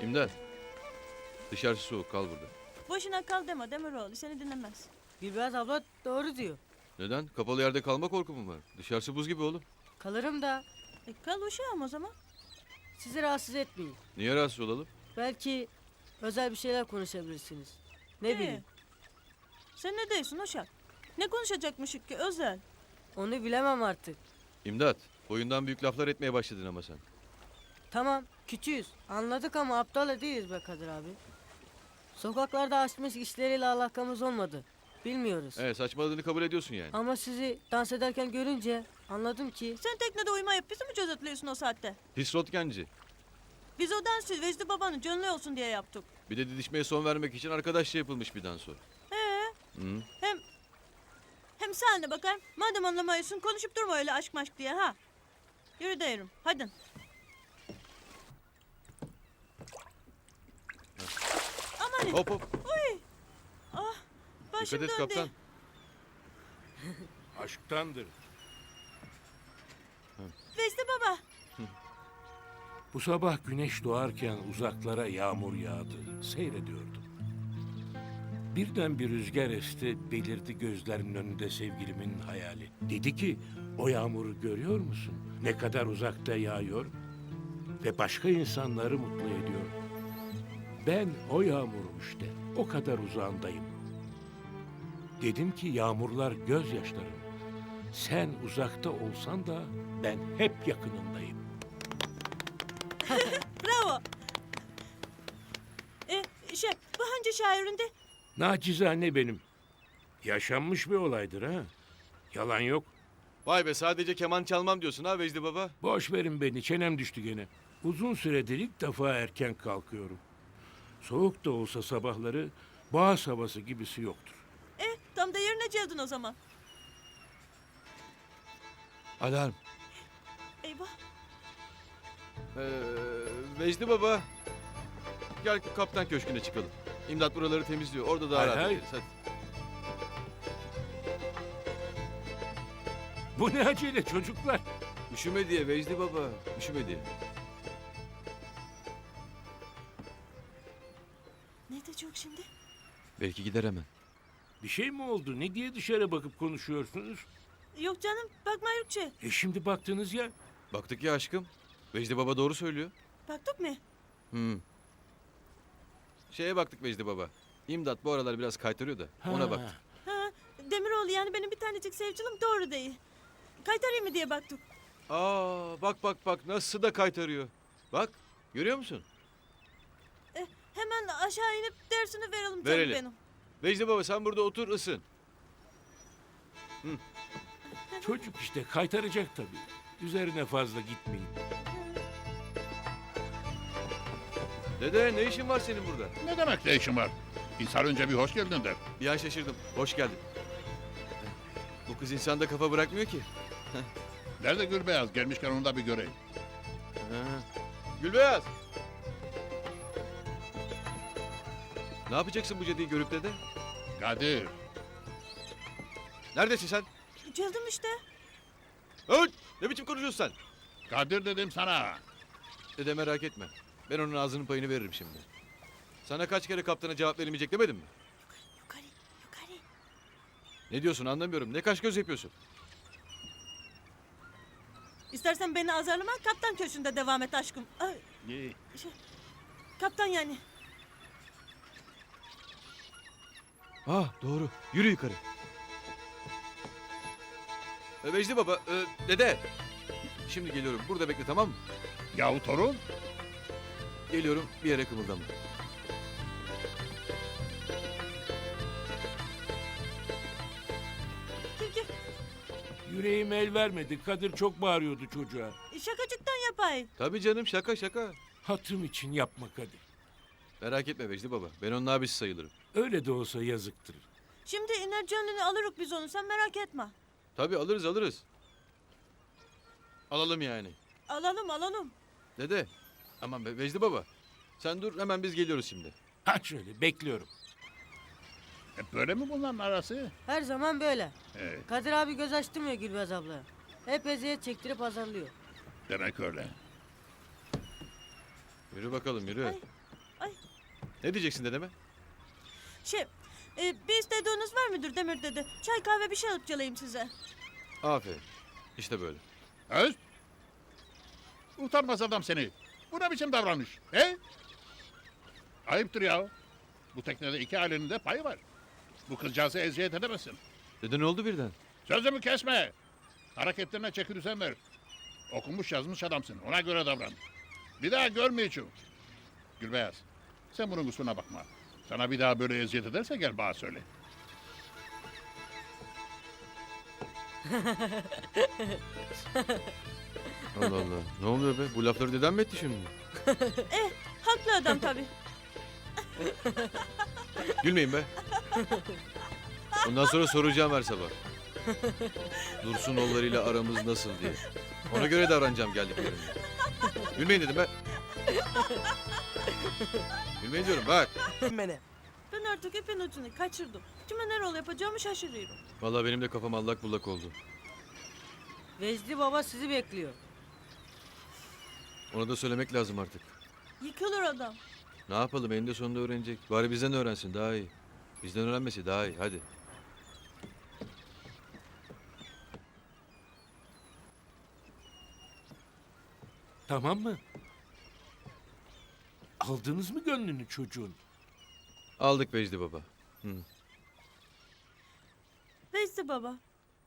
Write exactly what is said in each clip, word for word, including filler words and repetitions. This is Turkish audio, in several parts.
İmdat. Dışarısı soğuk, kal burada. Boşuna kal deme Demiroğlu, seni dinlemez. Gülbeyaz abla doğru diyor. Neden? Kapalı yerde kalma korkum mu var? Dışarısı buz gibi oğlum. Kalırım da E, kal uşağım o zaman. sizi rahatsız etmeyin. Niye rahatsız olalım? Belki özel bir şeyler konuşabilirsiniz. Ne İyi. bileyim. Sen ne diyorsun uşak? Ne konuşacakmışık ki özel? Onu bilemem artık. İmdat. Boyundan büyük laflar etmeye başladın ama sen. Tamam küçüğüz. Anladık ama aptal değiliz be Kadir abi. Sokaklarda açmış işleriyle alakamız olmadı. Bilmiyoruz. Evet, saçmaladığını kabul ediyorsun yani. Ama sizi dans ederken görünce anladım ki Sen teknede uyumayıp bizi mi gözetliyorsun o saatte? Pis rotkenci. Biz o dansı Vecdi babanın canlı olsun diye yaptık. Bir de didişmeye son vermek için arkadaşça yapılmış bir dans o. He. Hı? Hem hem sen de bakayım. Madem anlamıyorsun konuşup durma öyle aşk maşk diye ha. Yürü derim. Hadi. Aman. Hop hop. Uy. Ah. Başım Dikkat et döndü. kaptan. Aşktandır. Vecdi baba. Bu sabah güneş doğarken uzaklara yağmur yağdı. Seyrediyordum. Birden bir rüzgar esti, belirdi gözlerimin önünde sevgilimin hayali. Dedi ki, o yağmuru görüyor musun? Ne kadar uzakta yağıyor ve başka insanları mutlu ediyor. Ben o yağmurum işte, o kadar uzağındayım. Dedim ki yağmurlar gözyaşlarım. Sen uzakta olsan da ben hep yakınındayım. Bravo. E, şey, bu hangi şairinde? Nacizane benim. Yaşanmış bir olaydır ha. Yalan yok. Vay be, sadece keman çalmam diyorsun ha Vecdi baba. Boş verin beni, çenem düştü gene. Uzun süredir ilk defa erken kalkıyorum. Soğuk da olsa sabahları boğaz havası gibisi yoktur. E, tam da yerine geldin o zaman. Alarm. Eyvah. Ee, Vecdi baba. Gel kaptan köşküne çıkalım. İmdat buraları temizliyor. Orada daha Hay rahat hay. ederiz. Hadi. Bu ne acele çocuklar? Üşüme diye Vecdi baba. Üşüme diye. Ne diyecek şimdi? Belki gider hemen. Bir şey mi oldu? Ne diye dışarı bakıp konuşuyorsunuz? Yok canım, bakma Yurkçe. E şimdi baktınız ya. Baktık ya aşkım. Vecdi baba doğru söylüyor. Baktık mı? Hı. Şeye baktık Vecdi baba. İmdat bu aralar biraz kaytarıyor da ona Ha. baktık. Ha, Demiroğlu yani benim bir tanecik sevgilim doğru değil. Kaytarayım mı diye baktık. Aa bak bak bak nasıl da kaytarıyor. Bak görüyor musun? E, hemen aşağı inip dersini verelim canım Verelim. benim. Vecdi baba sen burada otur ısın. Çocuk işte kaytaracak tabii. Üzerine fazla gitmeyin. Dede ne işin var senin burada? Ne demek ne işin var? İnsan önce bir hoş geldin der. Bir an şaşırdım. Hoş geldin. Bu kız insanda kafa bırakmıyor ki. Nerede Gülbeyaz? Gelmişken onu da bir göreyim. Ha. Gülbeyaz. Ne yapacaksın bu cadıyı görüp dede? Kadir, Neredesin sen? Geldim işte. Öt! Ne biçim konuşuyorsun sen? Kadir dedim sana. Dede merak etme. Ben onun ağzının payını veririm şimdi. Sana kaç kere kaptana cevap verilmeyecek demedim mi? Yukarı, yukarı. Ne diyorsun anlamıyorum. Ne kaş göz yapıyorsun? İstersen beni azarlama, kaptan köşünde devam et aşkım. Ay, İyi. şey, kaptan yani. Ah doğru. Yürü yukarı. E, Vecdi baba, e, dede. Şimdi geliyorum. Burada bekle tamam mı? Yahu torun, Geliyorum bir yere kımıldama. Gel gel. Yüreğim el vermedi. Kadir çok bağırıyordu çocuğa. Şakacıktan yapay. Tabii canım şaka şaka. Hatırım için yapma Kadir. Merak etme Vecdi baba. Ben onun abisi sayılırım. Öyle de olsa yazıktır. Şimdi iner canını alırız biz onu, sen merak etme. Tabii alırız alırız. Alalım yani. Alalım alalım. Dede. Aman be Vecdi baba. Sen dur hemen biz geliyoruz şimdi. Ha şöyle bekliyorum. hep böyle mi bunların arası? her zaman böyle. Ee, Kadir abi göz açtırmıyor Gülbeyaz abla. Hep eziyet çektirip azarlıyor. demek öyle. Yürü bakalım yürü. Ay. Ne diyeceksin dedeme? Şey, e, bir istediğiniz var mıdır Demir dede? Çay kahve bir şey alıp geleyim size. Aferin. İşte böyle. Öz. Utanmaz adam seni. Bu ne biçim davranış? He? Ayıptır ya. Bu teknede iki ailenin de payı var. Bu kızcağızı eziyet edemezsin. Dede ne oldu birden? Sözümü kesme. Hareketlerine çeki düzen ver. Okumuş yazmış adamsın. Ona göre davran. Bir daha görmeyeceğim. Gülbeyaz, sen bunun kusuruna bakma. Sana bir daha böyle eziyet ederse gel bana söyle. Allah Allah. Ne oluyor be? Bu lafları dedem mi etti şimdi? Haklı adam tabii. Gülmeyin be. Bundan sonra soracağım her sabah. Dursun oğullarıyla aramız nasıl diye. Ona göre davranacağım geldiklerinde. Gülmeyin dedim be. Gülmeyin diyorum bak. Beni. Ben artık ipin ucunu kaçırdım. Kime ne rol yapacağımı şaşırıyorum. Vallahi benim de kafam allak bullak oldu. Vecdi baba sizi bekliyor. Ona da söylemek lazım artık. Yıkılır adam. Ne yapalım eninde sonunda öğrenecek. Bari bizden öğrensin daha iyi. Bizden öğrenmesi daha iyi hadi. Tamam mı? Aldınız mı gönlünü çocuğun? Aldık Vecdi baba. Hı. Neyse baba.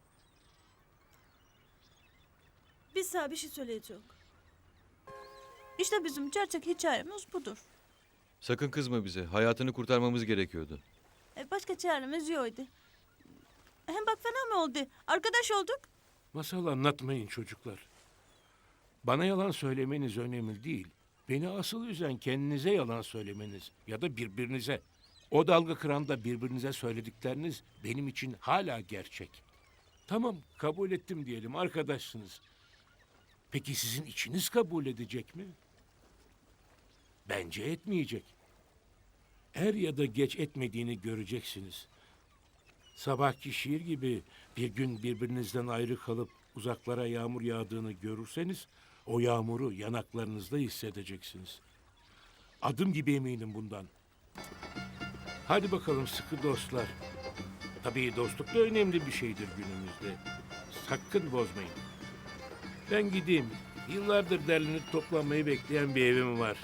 Biz sana bir şey söyleyeceğim. İşte bizim gerçek hikayemiz budur. Sakın kızma bize. Hayatını kurtarmamız gerekiyordu. E, başka çaremiz yoktu. Hem bak fena mı oldu? Arkadaş olduk. Masal anlatmayın çocuklar. Bana yalan söylemeniz önemli değil. Beni asıl üzen kendinize yalan söylemeniz ya da birbirinize. O dalga kıranda birbirinize söyledikleriniz benim için hala gerçek. Tamam kabul ettim diyelim arkadaşsınız. Peki sizin içiniz kabul edecek mi? Bence etmeyecek. Er ya da geç etmediğini göreceksiniz. Sabahki şiir gibi bir gün birbirinizden ayrı kalıp uzaklara yağmur yağdığını görürseniz o yağmuru yanaklarınızda hissedeceksiniz. Adım gibi eminim bundan. Hadi bakalım sıkı dostlar. Tabii dostluk da önemli bir şeydir günümüzde. Sakın bozmayın. Ben gideyim. Yıllardır derlenip toplanmayı bekleyen bir evim var.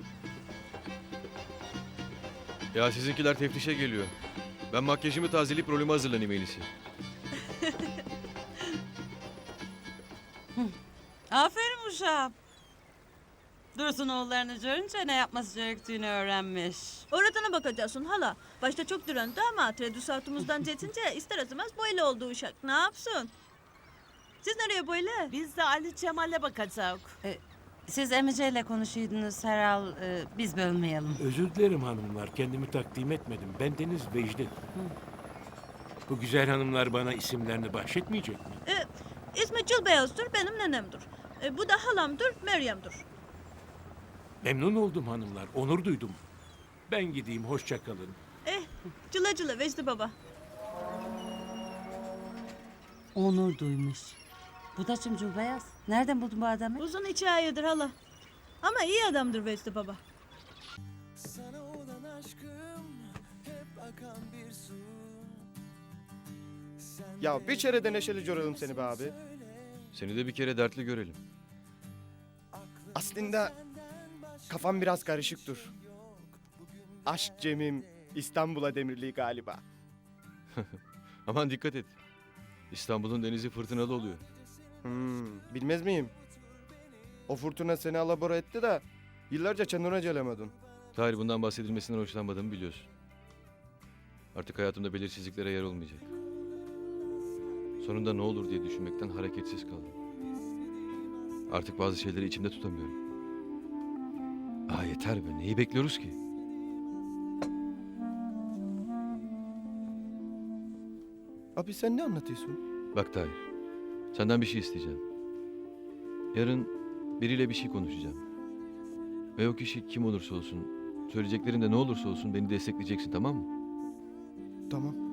Ya sizinkiler teftişe geliyor. Ben makyajımı tazeleyip rolüme hazırlanayım en iyisi. Aferin uşağım. Dursun oğullarını görünce ne yapması gerektiğini öğrenmiş. Öğretene bakacaksın hala. Başta çok direndi ama tredüsatımızdan cetince ister istemez böyle oldu uşak. Ne yapsın? Siz nereye böyle? Biz de Ali Cemal'e bakacağız. E, siz Emice ile konuşuydunuz herhal. E, biz bölmeyelim. Özür dilerim hanımlar. Kendimi takdim etmedim. Ben Deniz Vecdi. Bu güzel hanımlar bana isimlerini bahşetmeyecek mi? E, ismi Cılbeyaz'dır, benim nenemdir. E, bu da halamdır, Meryem'dir. Memnun oldum hanımlar. Onur duydum. Ben gideyim. Hoşça kalın. Eh, cıla cıla Vecdi baba. Onur duymuş. Bu da Cumcul Beyaz. Nereden buldun bu adamı? Uzun hikayedir hala. Ama iyi adamdır Vecdi baba. Sana olan aşkım hep akan bir su. Sen Ya bir kere de neşeli görelim seni be abi. Seni de bir kere dertli görelim. Aslında kafam biraz karışıktır. Aşk Cem'im İstanbul'a demirliği galiba. Aman dikkat et. İstanbul'un denizi fırtınalı oluyor. Hmm, bilmez miyim? O fırtına seni alabora etti de yıllarca kendine gelemedin. Tahir bundan bahsedilmesinden hoşlanmadığımı biliyorsun. Artık hayatımda belirsizliklere yer olmayacak. Sonunda ne olur diye düşünmekten hareketsiz kaldım. Artık bazı şeyleri içimde tutamıyorum. Aa yeter be, neyi bekliyoruz ki? Abi sen ne anlatıyorsun? Bak Tahir, senden bir şey isteyeceğim. Yarın biriyle bir şey konuşacağım. Ve o kişi kim olursa olsun, söyleyeceklerin de ne olursa olsun beni destekleyeceksin, tamam mı? Tamam.